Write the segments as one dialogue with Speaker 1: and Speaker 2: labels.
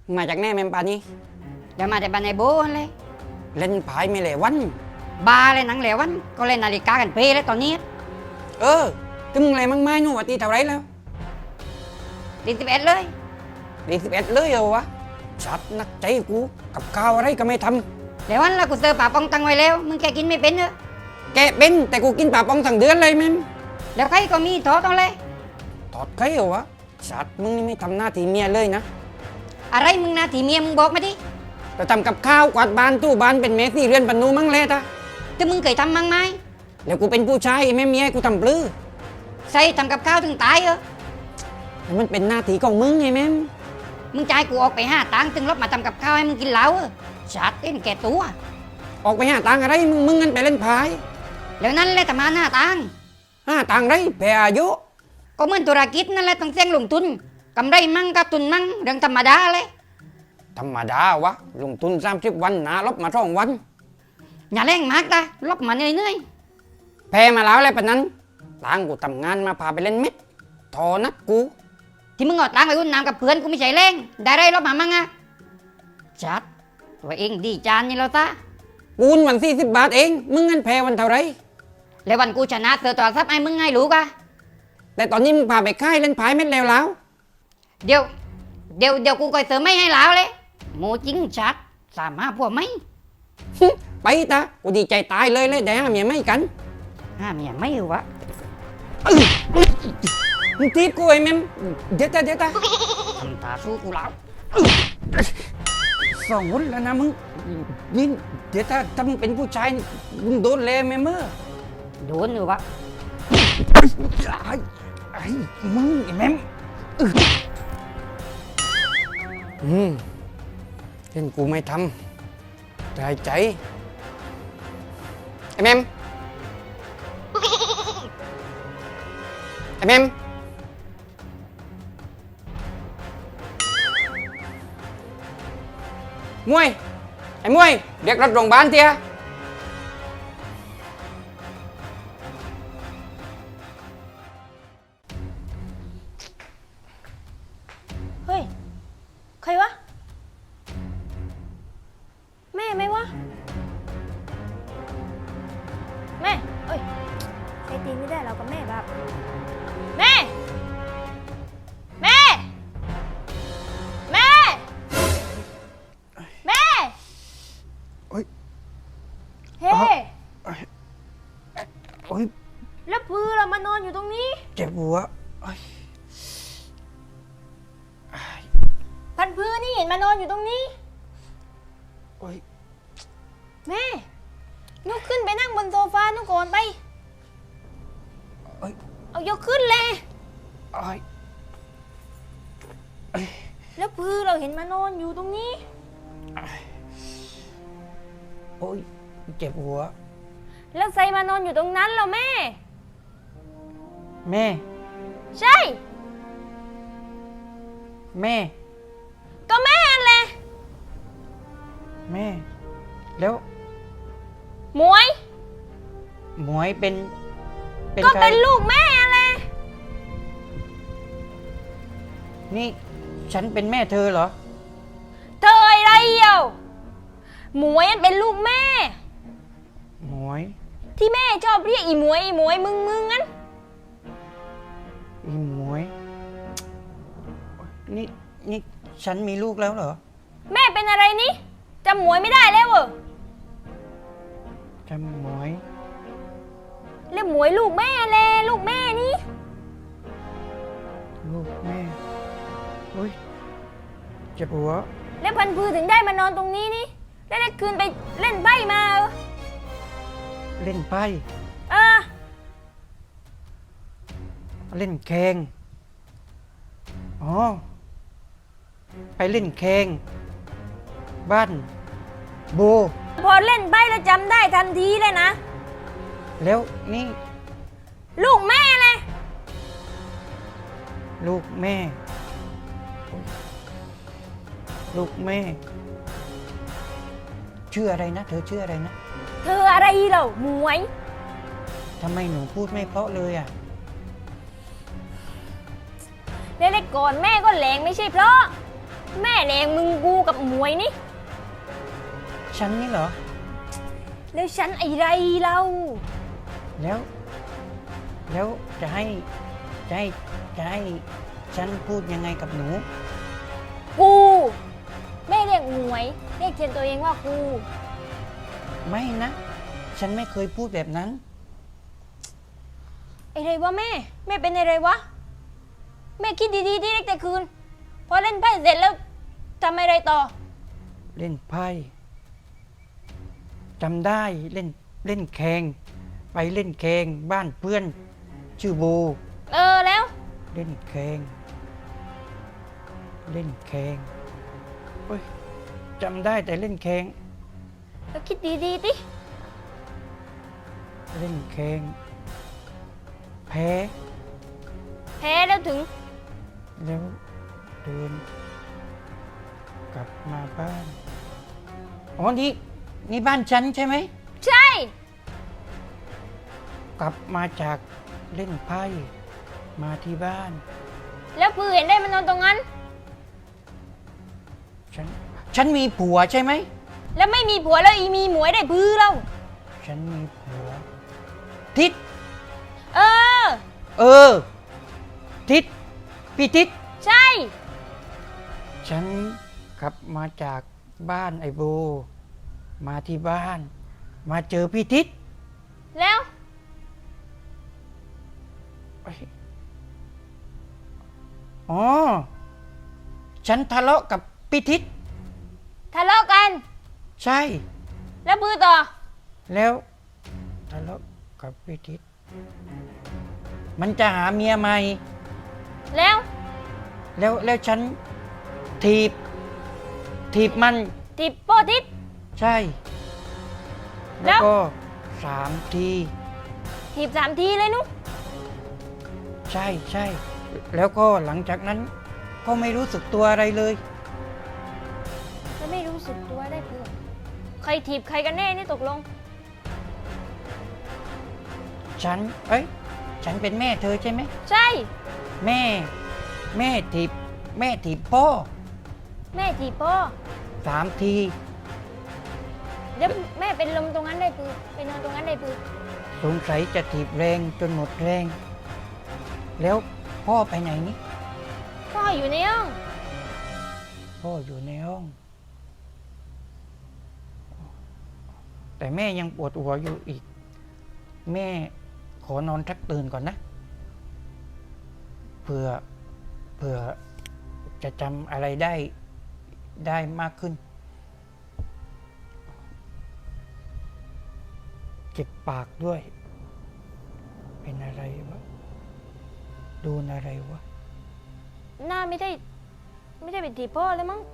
Speaker 1: มาจากแน่แมมปานี่
Speaker 2: เดี๋ยวมาแต่บ้านในโบเลย
Speaker 1: เล่นพายไม่เหลวัน
Speaker 2: บาเลยหนังเหลวันก็เล่นนาฬิกากันเป้เลยตอนนี้
Speaker 1: ตึงอะไรมั่งไม้นู่นวะตีเท่าไรแล้ว
Speaker 2: 11เลย
Speaker 1: 11เลยเหรอวะชัดนักใจกูกับข้าวอะไรก็ไม่ท
Speaker 2: ำเหลวันแล้วกูเจอป่าปองตังไว้แล้วมึงแกกินไม่เป็นเหรอ
Speaker 1: แกเป็นแต่กูกินปลาปองทั้งเดือนเลยแมม
Speaker 2: แล้วใครก็มีทอต้องเลย
Speaker 1: ถอดใครเหรอวะชัดมึงนี่ไม่ทำหน้าที่เมียเลยนะ
Speaker 2: อะไรมึงนาทีเมียมึงบอกมาดิ
Speaker 1: เราทำกับข้าวกวาดบ้านตู้บ้านเป็นเมสซี่เรือนปนูมั่งเลยตา
Speaker 2: แต่มึงเคยทำมั้งไหม
Speaker 1: แล้วกูเป็นผู้ชายแม่เมียกูทำปลื้อ
Speaker 2: ใส่ทำกับข้าวถึงตายเหรอ
Speaker 1: มันเป็นหน้าที่ของมึงไงแม่
Speaker 2: มึงจ่ายกูออกไป5 ตังค์ถึงรถมาทำกับข้าวให้มึงกินเหล้าชัดเต้นแก่ตัว
Speaker 1: ออกไปหาตังอะไรมึงงั้นไปเล่นพาย
Speaker 2: แล้วนั่นแหละแต่มา5 ตังค์
Speaker 1: ตังไรแพ้อายุ
Speaker 2: ก็เหมือนธุรกิจนั่นแหละต้องเสี่ยงลงทุนกำไรมั่งกับทุนมั่งเรื่องธรรมดาเลย
Speaker 1: ธรรมดาวะลงทุน30 วันหนาลบมา2 วัน
Speaker 2: อย่าแรงมากนะลบมาเหนื่อย
Speaker 1: แพ้มาแล้วอะไรปะนั้นตังกูทำงานมาพาไปเล่นเม็ดทอนัดกู
Speaker 2: ที่มึงเอาตังค์ไปอุ่นน้ำกับเพื่อนกูไม่ใช่แรงได้ไรลบมามั่งอะชัดตัวเองดีจานนี่แล้วตา
Speaker 1: กูนวัน40 บาทเองมึงงั้นแพ้วันเท่าไร
Speaker 2: แล้ววันกูชนะเธอตัวทรัพย์ไอ้มึงไงรู้กะ
Speaker 1: แต่ตอนนี้มึงพาไปค่ายเล่นพายเม็ดแล้ว
Speaker 2: เดี๋ยวกูก็เสริมไม่ให้แล้วเลยโมจริงชัด35 พวกไหม
Speaker 1: ไปตากูดีใจตายเลยได้ห้าเมียไม่กัน
Speaker 2: เมียไม่วะ
Speaker 1: มึงทีบกูไอ้แม่เดี๋ยวตา
Speaker 2: ทำตาสู้กูแล้ว
Speaker 1: 2 วันแล้วนะมึงนี่เดี๋ยวถ้ามึงเป็นผู้ชายมึงโดนเลยแม่เมื่อ
Speaker 2: โดนอยู่วะ
Speaker 1: ไอ้มึงไอ้แม่เห็นกูไม่ทำใจไอ้แม่ไอ้แม่มวยไอ้มวยเรียกรถโรงพยาบาลเตี้ย
Speaker 3: เฮ้ยใครวะแม่ไหมวะแม่เอ้ยใช้ตีนไม่ได้เรากับแม่แบบแม่แม่แม่แม่เฮ้แล้วพื้นเรามานอนอยู่ตรงนี้
Speaker 1: เจ็บหัว
Speaker 3: พันพื้นนี่เห็นมานอนอยู่ตรงนี้แม่ลุกขึ้นไปนั่งบนโซฟานู่นก่อนไปเอายกขึ้นเลยแล้วพื้นเราเห็นมานอนอยู่ตรงนี้
Speaker 1: เจ็บหัว
Speaker 3: แล้วใส่มานอนอยู่ตรงนั้นเหรอแม่ใช่
Speaker 1: แม่
Speaker 3: ก็แม่แหละ
Speaker 1: แม่แล้ว
Speaker 3: หมวย
Speaker 1: เป็น
Speaker 3: ก็เป็นลูกแม่แหละ
Speaker 1: นี่ฉันเป็นแม่เธอเหรอ
Speaker 3: เธออะไรเอ่ะหมวยเป็นลูกแม่
Speaker 1: หมวย
Speaker 3: ที่แม่ชอบเรียกอีหมวยมึงงั้น
Speaker 1: อีหมวยนี่ฉันมีลูกแล้วเหรอ
Speaker 3: แม่เป็นอะไรนี่จำหมวยไม่ได้แล้วเหรอ
Speaker 1: จำหมวย
Speaker 3: แล้วหมวยลูกแม่แลลูกแม่นี่
Speaker 1: ลูกแม่เจ็บหัว
Speaker 3: แล้วพันพือถึงได้มานอนตรงนี้นี่แล้วได้คืนไปเล่นไพ่มา
Speaker 1: เล่นไพ่เล่นแข่งไปเล่นแข่งบ้านโบ
Speaker 3: พอเล่นไพ่แล้วจำได้ทันทีเลยนะ
Speaker 1: แล้วนี่
Speaker 3: ลูกแม่เลย
Speaker 1: ลูกแม่ชื่ออะไรนะเธอชื่ออะไรนะ
Speaker 3: เธออะไรเหรอหมวย
Speaker 1: ทำไมหนูพูดไม่เพราะเลยอ่ะ
Speaker 3: เล็กๆก่อนแม่ก็แหลงไม่ใช่เพราะแม่แรงมึงกูกับหมวยนี่
Speaker 4: ฉันนี่เหรอ
Speaker 3: แล้วฉันไอ้ไรเรา
Speaker 4: แล้ว แล้วจะให้จะให้จะให้ฉันพูดยังไงกับหนู
Speaker 3: กูแม่เรียกหมวย เรียกเทียนตัวเองว่ากู
Speaker 4: ไม่นะ ฉันไม่เคยพูดแบบนั้น
Speaker 3: ไอ้ไรวะแม่ แม่เป็นอะไรวะ แม่คิดดีๆที่เล็กแต่คืน พอเล่นไพ่เสร็จแล้วทำอะไรต่อ
Speaker 4: เล่นไพ่จำได้เล่นเล่นแข่งไปเล่นแข่งบ้านเพื่อน ชื่อโบ
Speaker 3: แล้ว
Speaker 4: เล่นแข่งเล่นแข่งเฮ้ยจำได้แต่เล่นแข่ง
Speaker 3: แล้วคิดดีๆดิ
Speaker 4: เล่นแข่งแพ้
Speaker 3: แพ้แล้วถึง
Speaker 4: แล้วเดินกลับมาบ้านอ๋อนี่บ้านฉันใช่ไหม
Speaker 3: ใช่
Speaker 4: กลับมาจากเล่นไพ่มาที่บ้าน
Speaker 3: แล้วปือเห็นได้มันนอนตรงนั้น
Speaker 4: ฉันมีผัวใช่ไหม
Speaker 3: แล้วไม่มีผัวแล้วอีมีหมวยได้พื้อเรา
Speaker 4: ฉันมีผัว ทิศ
Speaker 3: เออ
Speaker 4: เออ ทิศพี่ทิศ
Speaker 3: ใช่
Speaker 4: ฉันกลับมาจากบ้านไอโบ มาที่บ้าน มาเจอพี่ทิศ
Speaker 3: แล้ว
Speaker 4: เอ้ยอ๋อ ฉันทะเลาะกับพี่ทิศ
Speaker 3: ทะเลาะกัน
Speaker 4: ใช่
Speaker 3: แล้วปือต่อ
Speaker 4: แล้วทะเลาะกับพี่ทิศมันจะหาเมียใหม่
Speaker 3: แล้ว
Speaker 4: แล้วฉันถีบมัน
Speaker 3: ติดโป้ทิศ
Speaker 4: ใช่
Speaker 3: แล้
Speaker 4: แล้ว
Speaker 3: ว
Speaker 4: ก็3 ที
Speaker 3: ถีบ3 ทีเลยนุ๊ก
Speaker 4: ใช่ แล้วก็หลังจากนั้นก็ไม่รู้สึกตัวอะไรเลย
Speaker 3: แล้วไม่รู้สึกตัวได้เพื่อใครถีบใครกันแน่นี่ตกลง
Speaker 4: ฉันเป็นแม่เธอใช่ไหม
Speaker 3: ใช่
Speaker 4: แม่ถีบพ่อ
Speaker 3: แม่ถีบพ่อ
Speaker 4: 3 ที
Speaker 3: เดี๋ยวแม่เป็นลมตรงนั้นได้ปือไปนอนตรงนั้นได้ปือ
Speaker 4: สงสัยจะถีบแรงจนหมดแรง แล้วพ่อไปไหนนี่
Speaker 3: พ่ออยู่ในห้อง
Speaker 4: พ่ออยู่ในห้อง แต่แม่ยังปวดหัวอยู่อีก แม่ขอนอนทักตื่นก่อนนะเผื่อจะจำอะไรได้มากขึ้น เจ็บปากด้วย เป็นอะไรวะโดนอะไรวะ
Speaker 3: หน้าไม่ได้เป็นถีบพ่อเลยมั้ง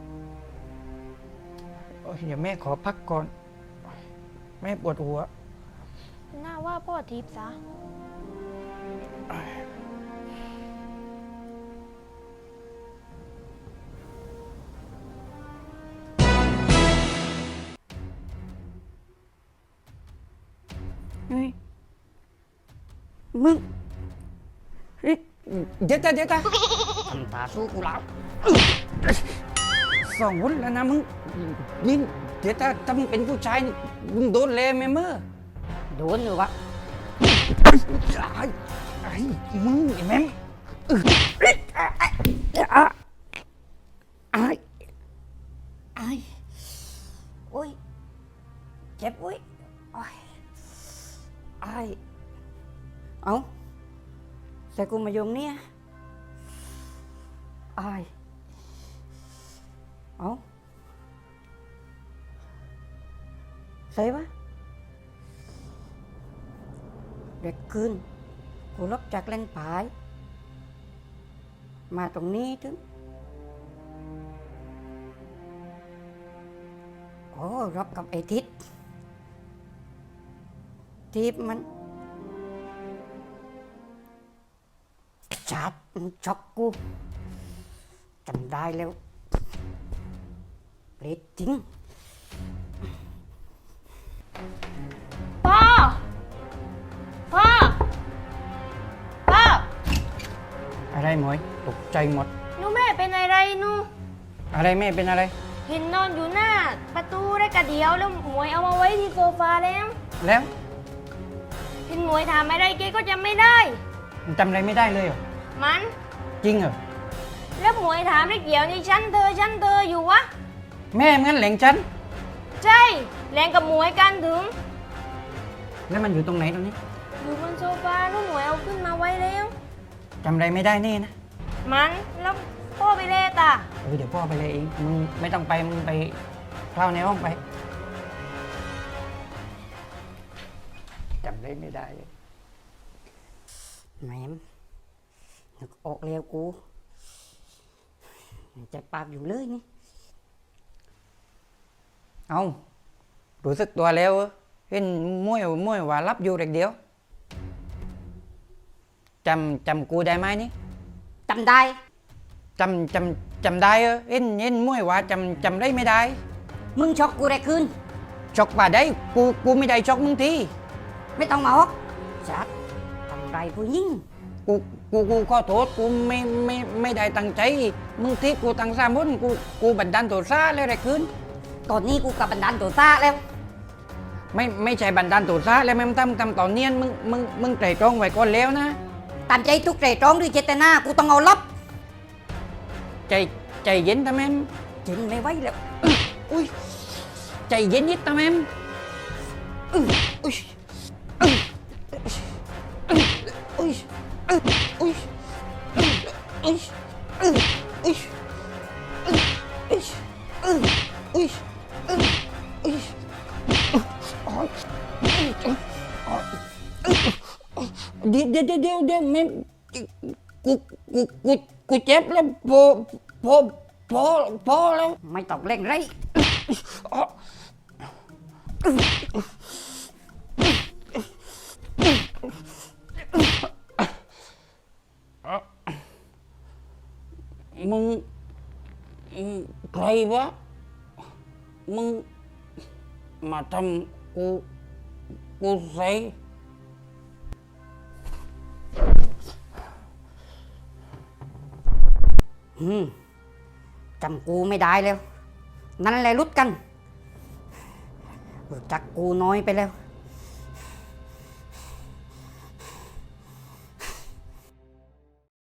Speaker 4: โอ้ยเดี๋ยวแม่ขอพักก่อน แม่ปวดหัว
Speaker 3: หน้าว่าพ่อถีบซะ
Speaker 1: เฮ้ยมึงเฮ้ยเดี๋ยวตาทำตาสู้กูแล้วสองวุ้นแล้วนะมึงนี่เดี๋ยวถ้ามึงเป็นผู้ชายนี่มึงโดนเลยไหมเมื่อโดนหรือวะไอ้มึงไอ้แม่งไอ้โอ้ยเจ็บโอ้ยไอ้เอาแต่กูมายงเนี่ยไอ้เอาใส่ปะเด็กคืนกูลบจากเล่นผายมาตรงนี้ถึงโอ้รับกับไอ้ทิศทีบมันจับช็อกกูจำได้แล้วเปรตจริง
Speaker 3: พ่อ พ่อ
Speaker 4: อะไรหมวยตกใจหมด
Speaker 3: หนูแม่เป็นอะไรหนู
Speaker 1: อะไรแม่เป็นอะไร
Speaker 3: เห็นนอนอยู่หน้า ประตูได้กระเดียวแล้วหมวยเอามาไว้ที่โซฟาแล้ว
Speaker 1: แล้ว
Speaker 3: เห็นหมวยถามอะไรเกก็จำไม่ได้
Speaker 1: จำอะไรไม่ได้เลยเหรอ
Speaker 3: มัน
Speaker 1: จริงเหรอ
Speaker 3: แล้วหมวยถามได้เกี่ยวนี่ฉันเธออยู่วะ
Speaker 1: แม่งั้นแหล่งฉัน
Speaker 3: ใช่แรงกับหมวยกันถึง
Speaker 1: แล้วมันอยู่ตรงไหนตรงนี้
Speaker 3: อยู่บนโซฟาแล้วหมวยเอาขึ้นมาไว้แล้ว
Speaker 1: จำอะไรไม่ได้แน่นะ
Speaker 3: มันแล้วพ่อไปเล่ตา
Speaker 1: เดี๋ยวพ่อไปเลยเองมึงไม่ต้องไปมึงไปเข้าในห้องไปจำอะไรไม่ได้เลย
Speaker 2: แหมมนึกออกแล้วกูใจปากอยู่เลยนี่
Speaker 1: เอารู้สึกตัวแล้วเหรอเห็นมวยว่ารับอยู่เด็กเดียวจำกูได้ไหมนี่
Speaker 2: จำได้
Speaker 1: จำได้เหรอเห็นมวยว่าจำได้ไม่ได้
Speaker 2: มึงช็อกกูได้คืน
Speaker 1: ช็อกว่าได้กูไม่ได้ช็อกมึงที
Speaker 2: ไม่ต้องมาฮอกจัดทำไรผู้หญิง
Speaker 1: กูขอโทษกูไม่ได้ตั้งใจมึงที่กูตั้งสามมุนกูบันดาลโทษะแล้วอะไรขึ้น
Speaker 2: ตอนนี้กูกับบันดาลตัวซาแล้ว
Speaker 1: ไม่ใช่บันดาลโทษะแล้วแม่งทำตอนเนียนมึงไตร่ตรองไว้ก่อนแล้วนะ
Speaker 2: ตามใจทุกใจตรองด้วยเจตนากูต้องเอาลับ
Speaker 1: ใจเย็นทำไม
Speaker 2: จินไม่ไหวแล้ว
Speaker 1: อุ้ยใจเย็นนิดทำไมอุ้ยอุ้ยอุ้ยอุ้ยอุ้ยอุ้ยอุ้ยอุ้ยอุ้ยเดี๋ยวแม่กูเจ็บแล้วพอแล้ว
Speaker 2: ไม่ต้องเร่งไร
Speaker 1: มึงใครวะมึงมาทำกูใส่
Speaker 2: จำกูไม่ได้แล้ว นั่นแหละรุดกันรู้จักกูน้อยไปแล้ว